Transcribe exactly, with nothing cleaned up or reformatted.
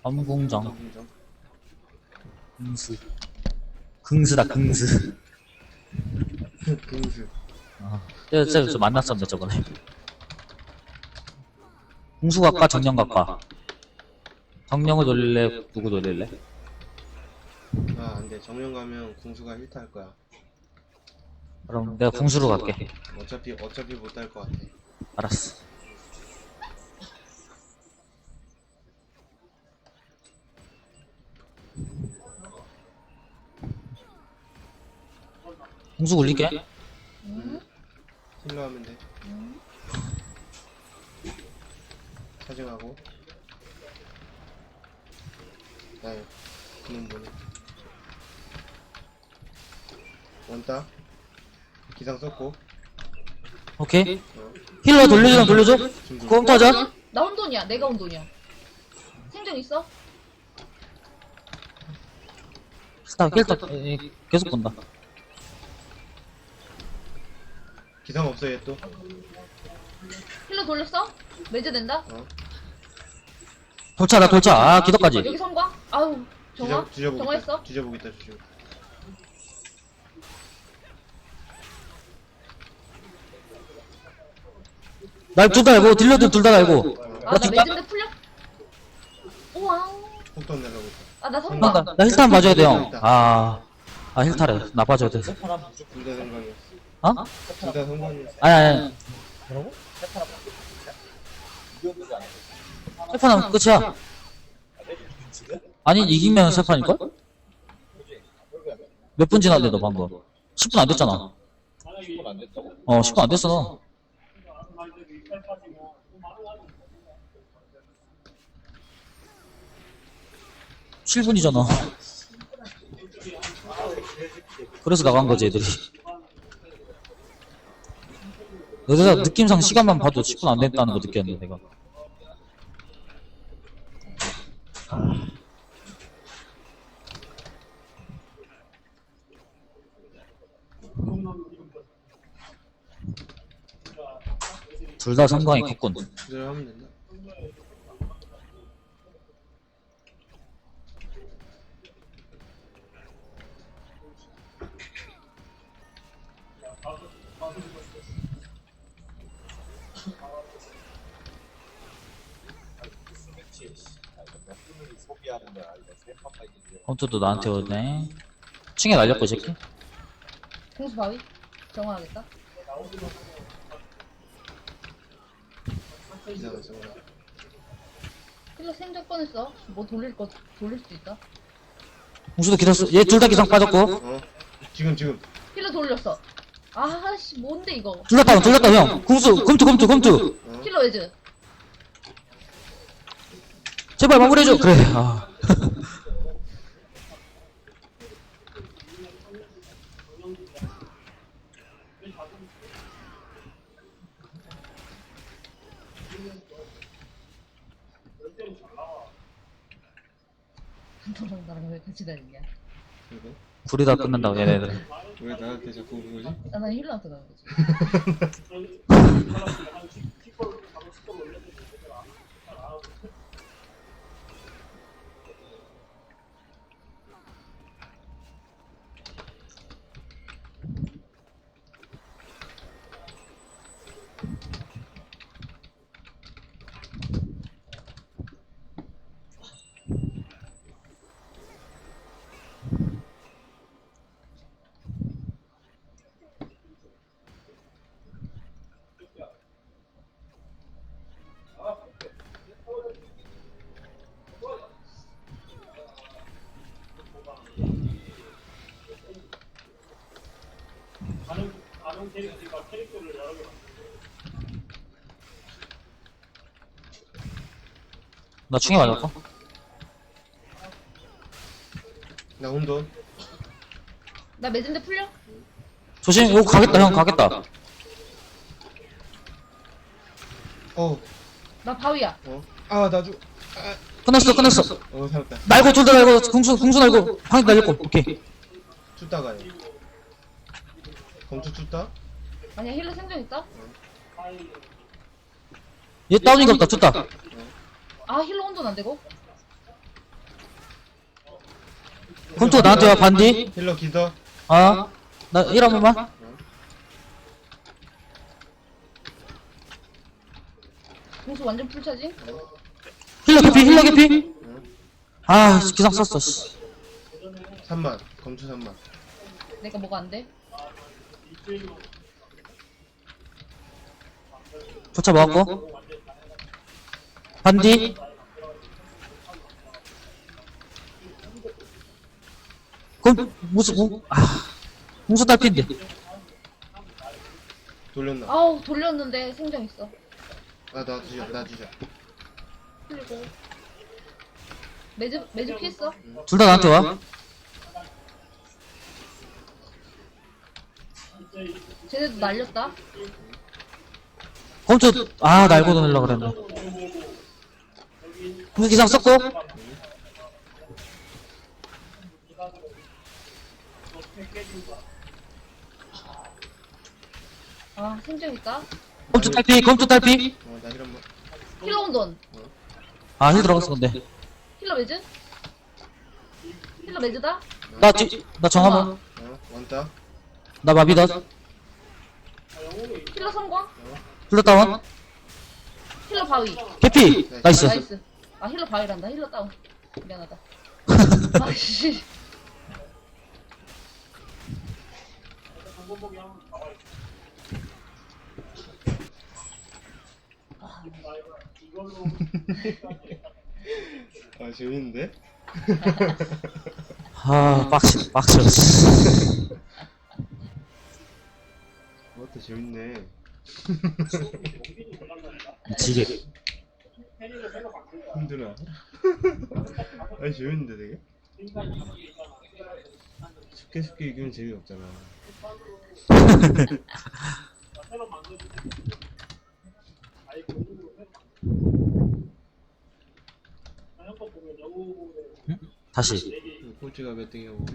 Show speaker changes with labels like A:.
A: 검궁정.
B: 검궁정.
A: 긍스. 긍스다, 긍스.
B: 긍스.
A: 아, 저, 저, 저 만났었는데, 저번에. 궁수각과 정령각과. 정령을 돌릴래? 누구 돌릴래?
B: 아, 안 돼. 정령 가면 궁수가 힐 탈 거야.
A: 그럼 내가 궁수로 갈게.
B: 어차피, 어차피 못 탈 것 같아.
A: 알았어. 궁수 굴릴게.
B: 응? 힐러 하면 돼.
C: 응?
B: 사정하고. 나요. 그놈 보내. 원따. 기상 썼고.
A: 오케이.
B: 어.
A: 힐러 돌려주면 돌려줘? 그거 홈터져?
C: 나 혼돈이야. 내가 혼돈이야. 생존 있어?
A: 스타, 힐터, 계속 본다.
B: 기상 없어, 얘 또.
C: 힐러 돌렸어? 매제 된다?
B: 어.
A: 돌차다, 돌차. 아, 기도까지.
C: 여기 성광? 아우 정화?
B: 뒤져, 뒤져보겠다.
C: 정화했어?
B: 뒤져보겠다, 뒤져.
A: 날 둘 다 알고, 딜러들 둘 다 알고.
C: 아 나 매진데 풀려? 우와우.
B: 폭탄 날라고 있다.
C: 아 나
A: 나,
C: 성광.
A: 나, 나 힐탄 봐줘야 돼, 형. 아, 아, 힐타래. 나 봐줘야 돼.
B: 둘 다 성광이었어.
A: 어?
B: 둘 다 성광이었어.
A: 아니, 아니. 세판하면 끝이야. 아니, 이기면 세판일걸? 몇 분 지났는데, 너 방금? 십 분 안 됐잖아. 어, 십 분 안 됐어, 너. 칠 분이잖아. 그래서 나간 거지, 애들이. 여기서 느낌상 시간만 봐도 십 분 안 됐다는 거 느꼈는데, 내가. 둘 다 성광이 컸군.
B: 그대로 하면 된다.
A: 홈트도 나한테 오네. 층에 날렸고, 이 새끼.
C: 공수 바위? 정화하겠다.
B: 기상 없어.
C: 힐러 생존 뻔했어. 뭐 돌릴 거 돌릴 수도 있다.
A: 공수도 기다렸어. 얘 둘 다 기상 빠졌고.
B: 어? 지금, 지금.
C: 힐러 돌렸어. 아씨 뭔데 이거.
A: 둘 다 다운, 둘 다 다운, 형. 공수, 검투, 검투, 검투.
B: 어?
C: 힐러 외즈.
A: 제발 마무리해줘. 그래, 아.
C: 너랑 나랑 왜 같이 다니냐?
B: 이거?
A: 둘이 다 끝난다고, 얘네들.
B: 왜 나한테 자꾸 그러지?
C: 아, 난 힐러한테 가는 거지.
A: 나 충에 맞았고.
B: 나 혼돈.
C: 나 매진데 풀려?
A: 조심, 이거 가겠다, 형, 가겠다.
B: 어,
C: 나 바위야.
B: 어? 아, 나 죽. 아,
A: 끝났어, 끝났어.
B: 어, 살았다.
A: 날고, 둘 다 날고, 궁수, 궁수 날고, 방이 날렸고, 오케이.
B: 춥다 가요. 검투 춥다?
C: 아니야 힐러 생존 있다?
A: 얘 다운인가 보다, tus다.
C: 아 힐러 혼돈 안 되고?
A: 컴투 나한테 와, 반디.
B: 힐러 기더.
A: 아, 나 일 한 번만.
C: 공수 완전 풀차지?
A: 힐러 개피, 힐러 개피.
B: 응.
A: 아, 기상 썼어, 씨.
B: 삼만. 검투 삼만.
C: 내가 뭐가 안 돼?
A: 조차 먹었고. 반디. 그럼, 무슨, 뭐, 아, 무슨 딸핀데.
B: 돌렸나?
C: 아우 돌렸는데 생정 있어.
B: 아, 나 주자, 나 주자.
C: 그리고 매즈 매즈 피했어.
A: 둘 다 나한테 와.
C: 쟤네도 날렸다.
A: 컴투, 아, 날고 돌려고 그랬네. 무슨 기상 썼고.
C: 아 생정 있다.
A: 컴투 딸피, 컴투 딸피.
B: 어, 나 힐 한번.
C: 힐러 온돈.
A: 아, 힐 들어갔어, 근데.
C: 힐러 매즈? 힐러 매즈다?
A: 나, 지, 나 정하면.
B: 어, 원따.
A: 나 마비다.
C: 힐러 성광?
A: 힐러 다운.
C: 힐러 바위.
A: 개피. 나이스.
C: 나이스. 아 힐러 바위란다. 힐러 다운. 미안하다. 아씨.
B: 아, 재밌는데?
A: 아, 빡치, 빡쳐.
B: 그것도 재밌네.
A: 지게.
B: 힘드나? 아니, 재밌는데, 되게? 쉽게 쉽게 이기면 재미없잖아.
A: 다시.
B: 꼴찌가 몇 등이야, 우리?